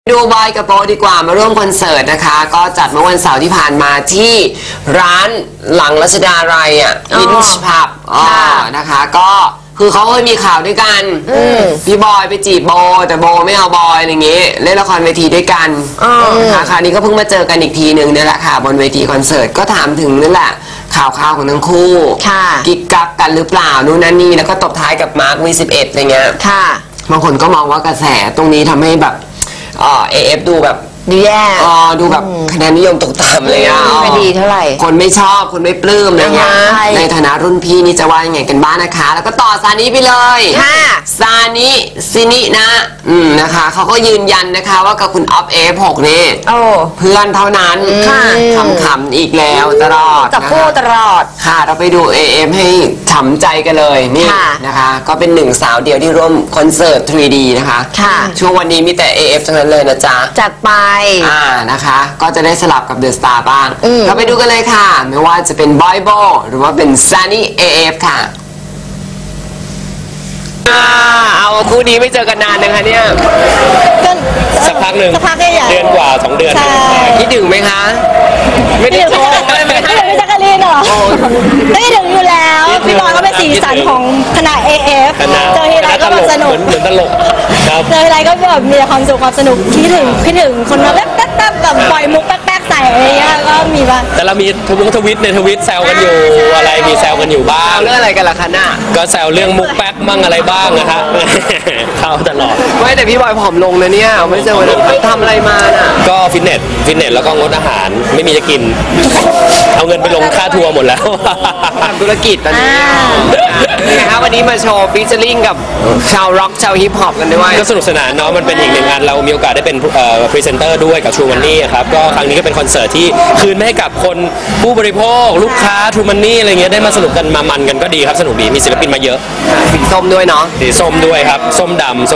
ดูบอยกับโปดีกว่ามาร่วมคอนเสิร์ตนะคะก็จัดเมื่อวันเสาร์ที่ผ่านมาที่ร้านหลังรัชดาลัยวินช์พับนะคะก็คือเขาเคยมีข่าวด้วยกันพี่บอยไปจีบโบแต่โบไม่เอาบอยอะไรเงี้ยเล่นละครเวทีด้วยกันนะคะคราวนี้ก็เพิ่งมาเจอกันอีกทีหนึ่งนี่แหละค่ะบนเวทีคอนเสิร์ตก็ถามถึงนั่นแหละข่าวของทั้งคู่กิ๊กกักกันหรือเปล่านู่นนั่นนี่แล้วก็ตบท้ายกับมาร์คV11อะไรเงี้ยบางคนก็มองว่ากระแสตรงนี้ทำให้แบบAF ดูแบบดูแย่ดูแบบคะแนนนิยมตกต่ำเลยไม่ดีเท่าไหร่คนไม่ชอบคนไม่ปลื้มอะไรเงี้ยในฐานะรุ่นพี่นี่จะว่ายังไงกันบ้างนะคะแล้วก็ต่อซานิไปเลยซานิซินินะนะคะเขาก็ยืนยันนะคะว่ากับคุณออฟF6นี่เพื่อนเท่านั้นขำๆอีกแล้วตลอดกับคู่ตลอดค่ะเราไปดู AF ให้ฉ่ำใจกันเลยนี่นะคะก็เป็นหนึ่งสาวเดียวที่ร่วมคอนเสิร์ต 3D นะคะช่วงวันนี้มีแต่ AF ทั้งนั้นเลยนะจ๊ะจัดไปนะคะก็จะได้สลับกับเดอะสตาร์บ้างเราไปดูกันเลยค่ะไม่ว่าจะเป็นบอยโบหรือว่าเป็นซันนี่AFค่ะเอาคู่นี้ไม่เจอกันนานนะคะเนี่ยสักพักหนึ่งเดือนกว่า2 เดือนคิดถึงไหมคะไม่ได้โทรไม่ได้พี่จักรีนหรอไม่ได้ถึงอยู่แล้วพี่บอยก็เป็นสีสันของคณะ AF เจอทีไรก็แบบสนุกเหมือนตลกเจอทีไรก็แบบมีความสุขความสนุกคิดถึงคนมาแป๊บแบบปล่อยมุกแป๊กใส่อะไรเงี้ยก็มีบ้างแต่เรามีทวิตแซวกันอยู่อะไรมีแซวกันอยู่บ้างเรื่องอะไรกันล่ะคะน่ะก็แซวเรื่องมุกแป๊กมั่งอะไรบ้างนะฮะเข้าตลอดไม่แต่พี่บอยผอมลงนะเนี่ยไม่เจอวันนั้นทำอะไรมาน่ะก็ฟิตเนสแล้วก็งดอาหารไม่มีจะกินเอาเงินไปลงค่าทัวร์หมดแล้วทำธุรกิจตอนนี้นะคะวันนี้มาโชว์ฟีเจอริ่งกับชาวร็อกชาวฮิปฮอปกันด้วยก็สนุกสนานเนาะมันเป็นอีกหนึ่งงานเรามีโอกาสได้เป็นพรีเซนเตอร์ด้วยกับชูมันนี่ครับก็ครั้งนี้ก็เป็นคอนเสิร์ตที่คืนให้กับคนผู้บริโภคลูกค้าทูมันนี่อะไรเงี้ยได้มาสนุกกันมามันกันก็ดีครับสนุกดีมีศิลปินมาเยอะสีส้มด้วยเนาะสีส้มด้วยครับส้มดำ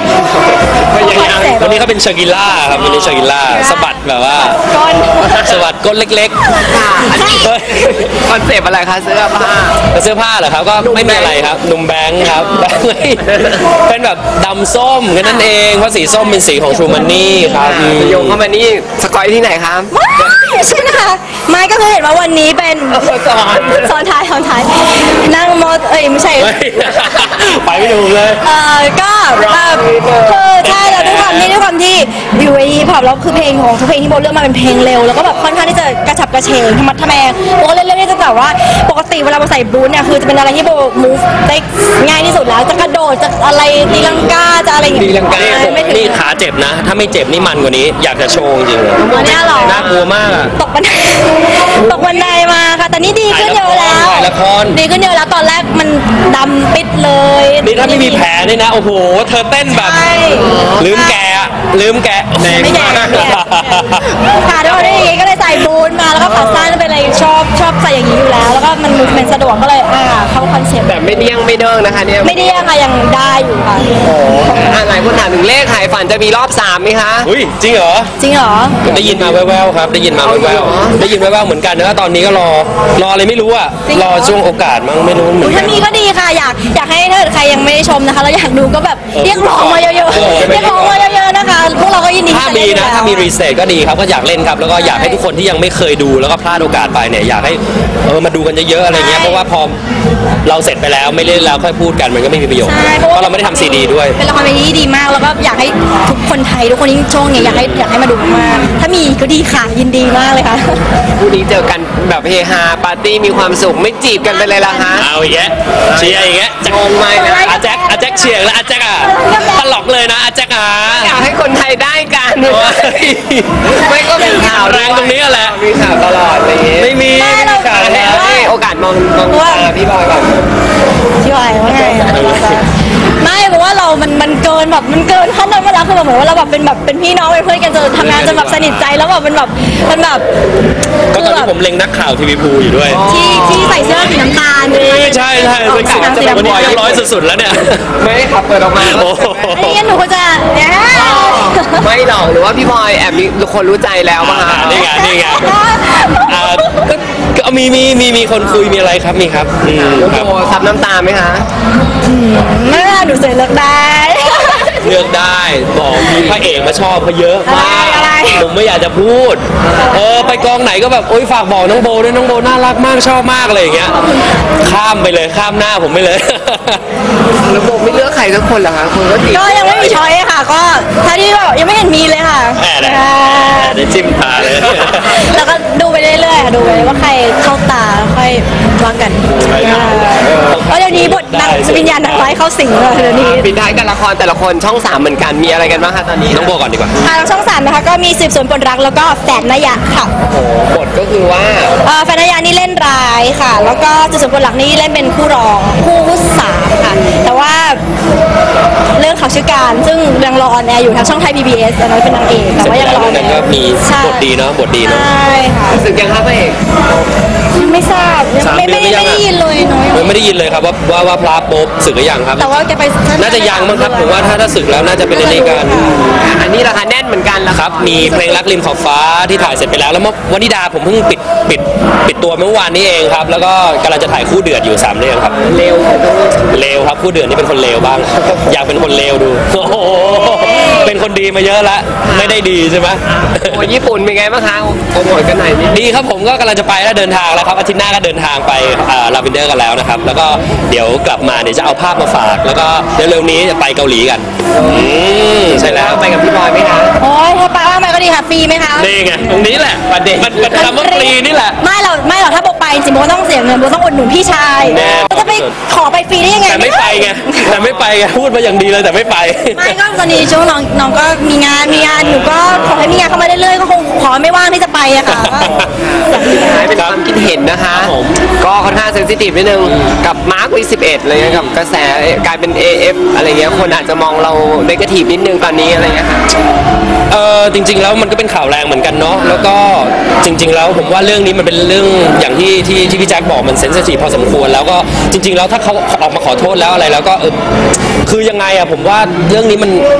วันนี้เขาเป็นชากิล่าครับวันนี้ชากิล่าสะบัดแบบว่าสะบัดก้นเล็กๆคอนเซปต์อะไรคะเสื้อผ้าเหรอครับก็ไม่มีอะไรครับนุ่มแบงค์ครับเป็นแบบดำส้มแค่นั้นเองเพราะสีส้มเป็นสีของชูมันนี่ครับโยงเข้ามานี่สกอยที่ไหนครับใช่นะคะไม่ก็คือเห็นว่าวันนี้เป็นซ้อนท้ายนั่งมอไม่ใช่ไปไม่ถูกเลยก็คือใช่แล้วด้วยความที่อยู่ในฮิปฮอปแล้วคือเพลงของทุกเพลงที่โบเลือกมาเป็นเพลงเร็วแล้วก็แบบค่อนข้างที่จะกระฉับกระเฉงธรรมะทแมงโบก็เล่นๆจะแบบว่าปกติเวลาเราใส่บูทเนี่ยคือจะเป็นอะไรที่โบ move ได้ง่ายที่สุดแล้วจะกระโดดจะอะไรตีลังกาจะอะไรอย่างเงี้ยตีลังกานี่ขาเจ็บนะถ้าไม่เจ็บนี่มันกว่านี้อยากจะโชว์จริงๆอันนี้หรอน่ากลัวมากตกบันไดมาค่ะแต่นี่ดีขึ้นเยอะแล้วดีขึ้นเยอะแล้วตอนแรกมันดำปิดเลยนี่ถ้าไม่มีแผลนี่นะโอ้โหเธอเต้นแบบลืมแกไม่แก่ค่ะด้วยอย่างงี้ก็เลยใส่บูทมาแล้วก็ขาสั้นเป็นอะไรชอบใส่อย่างนี้อยู่แล้วแล้วก็มันเป็นสะดวกก็เลยเข้าคอนเซ็ปต์แบบไม่เดี้ยงไม่เด้งนะคะเนี่ยไม่เดี้ยงค่ะยังได้อยู่ค่ะหลายคนถามถึงเลขหายฝันจะมีรอบ3ไหมคะอุ้ยจริงเหรอได้ยินมาแว่วๆครับได้ยินมาแว่วๆเหมือนกันนะตอนนี้ก็รออะไรไม่รู้รอช่วงโอกาสมั้งไม่รู้เหมือนกันถ้ามีก็ดีค่ะอยากให้ถ้าใครยังไม่ได้ชมนะคะแล้วอยากดูก็แบบเรียกร้องมาเยอะๆเรียกร้องมาเยอะๆนะคะพวกเราก็ยินดีถ้ามีรีเซ็ตก็ดีครับก็อยากเล่นครับแล้วก็อยากให้ทุกคนที่ยังไม่เคยดูแล้วก็พลาดโอกาสไปเนี่ยอยากให้มาดูกันเยอะๆอะไรเงี้ยเพราะว่าพอเราเสร็จไปแล้วไม่เล่นแล้วค่อยพูดกันมันก็ไม่มีประโยชน์เพราะเราไม่ได้ทำซีดีด้วยเป็นละครเวทีที่ดีมากแล้วก็อยากให้ทุกคนไทยทุกคนที่ช่วงนี้อยากให้มาดูมากถ้ามีก็ดีค่ะยินดีมากเลยค่ะคู่นี้เจอกันแบบเฮฮาปาร์ตี้มีความสุขไม่จีบกันไปเลยล่ะฮะเอาอย่างเงี้ยเชียร์อย่างเงี้ยงงไหมนะอาแจ็คเชียร์แล้วอาแจ็คตลกเลยนะอาแจ็คอยากให้คนไทยได้กันไม่ก็เป็นข่าวแรงตรงนี้แหละมีข่าวตลอดอะไรอย่างเงี้ยไม่มีข่าวแล้วโอกาสมองพี่บอยก่อนพี่บอยว่าไงไม่เพราะว่าเรามันเกินแบบมันเกินขั้นนั้นมาแล้วคือแบบเหมือนว่าเราแบบเป็นพี่น้องเป็นเพื่อนกันจนทำงานจนแบบสนิทใจแล้วแบบมันแบบก็ตอนนี้ผมเล็งนักข่าวทีวีภูอยู่ด้วยที่ใส่เสื้อสีน้ำตาลใช่เป็นข่าววันนี้เรียบร้อยสุดๆแล้วเนี่ยไม่ขับเปิดออกมาไม่งั้นหนูก็จะไม่หรอกหรือว่าพี่บอยแอบมีคนรู้ใจแล้วป่ะนี่ไงก็มีคนคุยมีอะไรครับมีครับโอ้ซับน้ำตาไหมคะไม่หนูเสร็จเลิกได้เลือกได้บอกมีพระเอกมาชอบเขาเยอะมากอะไรผมไม่อยากจะพูดไปกองไหนก็แบบโอ๊ยฝากบอกน้องโบด้วยน้องโบน่ารักมากชอบมากอะไรอย่างเงี้ยข้ามไปเลยข้ามหน้าผมไปเลยแล้วโบไม่เลือกใครสักคนเหรอคะคนก็ติดก็ยังไม่มีช้อยค่ะ ก็ถ้าที่แบบยังไม่เห็นมีเลยค่ะแหมได้จิ้มตาเลยแล้วก็ดูไปเรื่อยๆค่ะดูไปว่าใครเข้าตาค่อยว่ากันเพราะเดี๋ยวนี้บทนางวิญญาณนางร้ายเข้าสิงเลยเดี๋ยวนี้ปิดท้ายกันละครแต่ละคนช่อง 3เหมือนกันมีอะไรกันบ้างคะตอนนี้น้องโบก่อนดีกว่าทางช่อง3นะคะก็มีสืบสวนปนรักแล้วก็แฝดนยะค่ะโอ้โหบทก็คือว่าแฝดนยะนี่เล่นร้ายค่ะ แล้วก็สืบสวนปนรักนี่เล่นเป็นคู่รองคู่สามค่ะ แต่ว่าเรื่องเขาชื่อการซึ่งยังรอออนแอร์อยู่ทางช่องไทย PBS อันนั้นเป็นนางเอกแต่ว่ายังรอออนแอแต่ก็ร์มีใช่บทดีเนาะบทดีเนาะใช่ค่ะรู้สึกยังคะพระเอกยังไม่ทราบยัง 3 ไม่เดือนหรือยังได้อะยินเลยเนาะไม่ได้ยินเลยครับว่าพระโป๊บศึกหรือยังครับแต่ว่าแกไปน่าจะยังมั้งครับผมว่าถ้าศึกแล้วน่าจะเป็นในนี้กันอันนี้ราคาแน่นเหมือนกันละครับมีเพลงรักริมขอบฟ้าที่ถ่ายเสร็จไปแล้วแล้ววนิดาผมเพิ่งปิดตัวเมื่อวานนี้เองครับแล้วก็กำลังจะถ่ายคู่เดือดอยู่3เรื่องครับเร็วเลวครับคู่เดือดนี่เป็นคนเลวบ้าง อยากเป็นคนเลวดูโอ้โหเป็นคนดีมาเยอะละไม่ได้ดีใช่ไหมโอ้ญี่ปุ่นเป็นไงบ้างคะโปรโมทกันหน่อยนิดดีครับผมก็กำลังจะไปแล้วเดินทางแล้วครับอาทิตย์หน้าก็เดินทางไปลาเวนเดอร์กันแล้วนะครับแล้วก็เดี๋ยวกลับมาเดี๋ยวจะเอาภาพมาฝาก แล้วก็เร็วๆนี้จะไปเกาหลีกันใช่แล้วไปกับพี่บอยไหมคะโอ้ยถ้าไปว่าไปก็ดีค่ะฟรีไหมคะนี่ไงตรงนี้แหละประเด็นมันคำว่าฟรีนี่แหละไม่หรอกถ้าโบไปจริงโบก็ต้องเสียเงินโบต้องอุดหนุนพี่ชายแน่จะไปขอไปฟรีได้ยังไงแต่ไม่ไปไงพูดมาอย่างดีเลยแต่ไม่ไปไม่ก็ตอนนี้ช่วงน้องก็มีงานหนูก็ขอให้มีงานเข้ามาเรื่อยๆก็คงขอไม่ว่างที่จะไปอะค่ะอยากมีงานเป็นความคิดเห็นนะคะครับผมก็ค่อนข้างเซนซิทีฟนิดนึงกับมาร์ควี11อะไรเงี้ยกับกระแสกลายเป็น AF อะไรเงี้ยคนอาจจะมองเราเนกาทีฟนิดนึงตอนนี้อะไรเงี้ยค่ะจริงๆแล้วมันก็เป็นข่าวแรงเหมือนกันเนาะแล้วก็จริงๆแล้วผมว่าเรื่องนี้มันเป็นเรื่องอย่างที่พี่แจ็คบอกมันเซนซิทีฟพอสมควรแล้วก็จริงๆแล้วถ้าเขาออกมาขอโทษแล้วอะไรแล้วก็คือยังไงอะผมว่าเรื่องนี้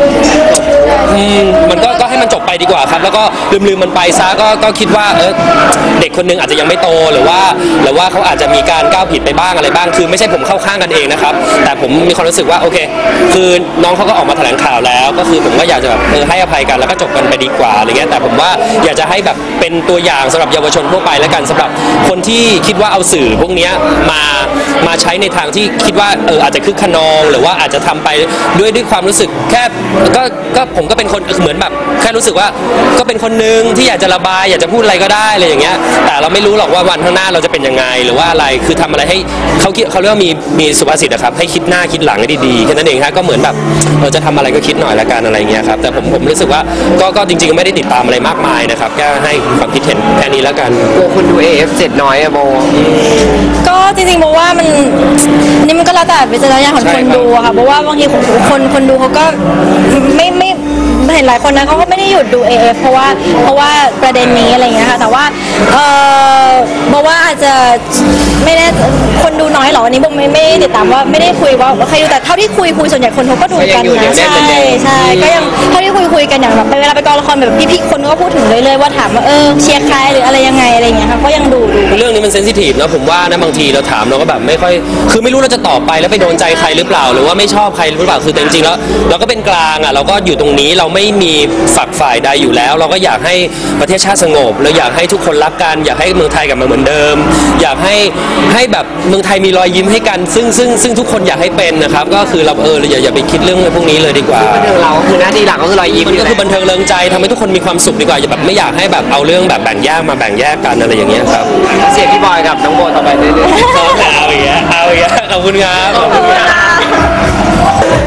มันก็ให้มันจบไปดีกว่าครับแล้วก็ลืมมันไปซะก็คิดว่าเด็กคนนึงอาจจะยังไม่โตหรือว่าเขาอาจจะมีการก้าวผิดไปบ้างอะไรบ้างคือไม่ใช่ผมเข้าข้างกันเองนะครับแต่ผมมีความรู้สึกว่าโอเคคือน้องเขาก็ออกมาแถลงข่าวแล้วก็คือผมก็อยากจะแบบให้อภัยกันแล้วก็จบกันไปดีกว่าอะไรเงี้ยแต่ผมว่าอยากจะให้แบบเป็นตัวอย่างสำหรับเยาวชนทั่วไปแล้วกันสำหรับคนที่คิดว่าเอาสื่อพวกเนี้ยมาใช้ในทางที่คิดว่าอาจจะคึกขนองหรือว่าอาจจะทำไปด้วยความรู้สึกแค่ก็ผมก็เป็นคนเหมือนแบบแค่รู้สึกว่าก็เป็นคนนึงที่อยากจะระบายอยากจะพูดอะไรก็ได้อะไรอย่างเงี้ยแต่เราไม่รู้หรอกว่าวันข้างหน้าเราจะเป็นยังไงหรือว่าอะไรคือทำอะไรให้เขาเรียกว่ามีสุภาษิตนะครับให้คิดหน้าคิดหลังให้ดีๆแค่นั้นเองครับก็เหมือนแบบจะทำอะไรก็คิดหน่อยละกันอะไรเงี้ยครับแต่ผมรู้สึกว่าก็จริงๆไม่ได้ติดตามอะไรมากมายนะครับแค่ให้ความคิดเห็นแค่นี้แล้วกันกลัวคนดู AF 7น้อยอะโบก็จริงๆโบว่านี่มันก็แล้วแต่วิจารณญาณของคนดูอะค่ะเพราะว่าบางทีคนดูเขาก็ไม่เห็นหลายคนนะเขาก็ไม่ได้หยุดดู AF เพราะว่าประเด็นนี้อะไรอย่างเงี้ยค่ะแต่ว่าบอกว่าอาจจะไม่ได้คนดูน้อยหรออันนี้โบไม่ได้ติดตามว่าไม่ได้คุยว่าใครดูแต่เท่าที่คุยส่วนใหญ่คนเขาก็ดูกันนะใช่ก็ยังเท่าที่คุยกันอย่างแบบเวลาไปกองละครแบบพี่ๆคนก็พูดถึงเรื่อยๆว่าถามว่าเชียร์ใครหรืออะไรยังไงอะไรอย่างเงี้ยค่ะก็ยังดูเรื่องนี้มันเซนซิทีฟนะผมว่านะบางทีเราถามเราก็แบบไม่ค่อยคือไม่รู้เราจะตอบไปแล้วไปโดนใจใครหรือเปล่าหรือว่าไม่ชอบใครหรือเปล่าคือแต่จริงๆแล้วเราก็เป็นกลางอ่ะเราก็อยู่ตรงนี้เราไม่มีฝักฝ่ายใดอยู่แล้ว เราก็อยากให้ประเทศชาติสงบเราอยากให้ทุกคนรักกันอยากให้เมืองไทยกลับมาเหมือนเดิม อยากให้แบบเมืองไทยมีรอยยิ้มให้กันซึ่งทุกคนอยากให้เป็นนะครับก็คือเราอย่าไปคิดเรื่องพวกนี้เลยดีกว่าบันเทิงเราคือหน้าที่หลักก็คือรอยยิ้มมันก็คือบันเทิงเริงใจทำให้ทุกคนมีความสุขดีกว่าอย่าแบบไม่อยากให้แบบเอาเรื่องแบบแบ่งแยกมาแบ่งแยกกันอะไรอย่างเงี้ยครับเสียพี่บอยกับน้องโบต่อไปเรื่อยๆเอาอีกแล้วขอบคุณครับ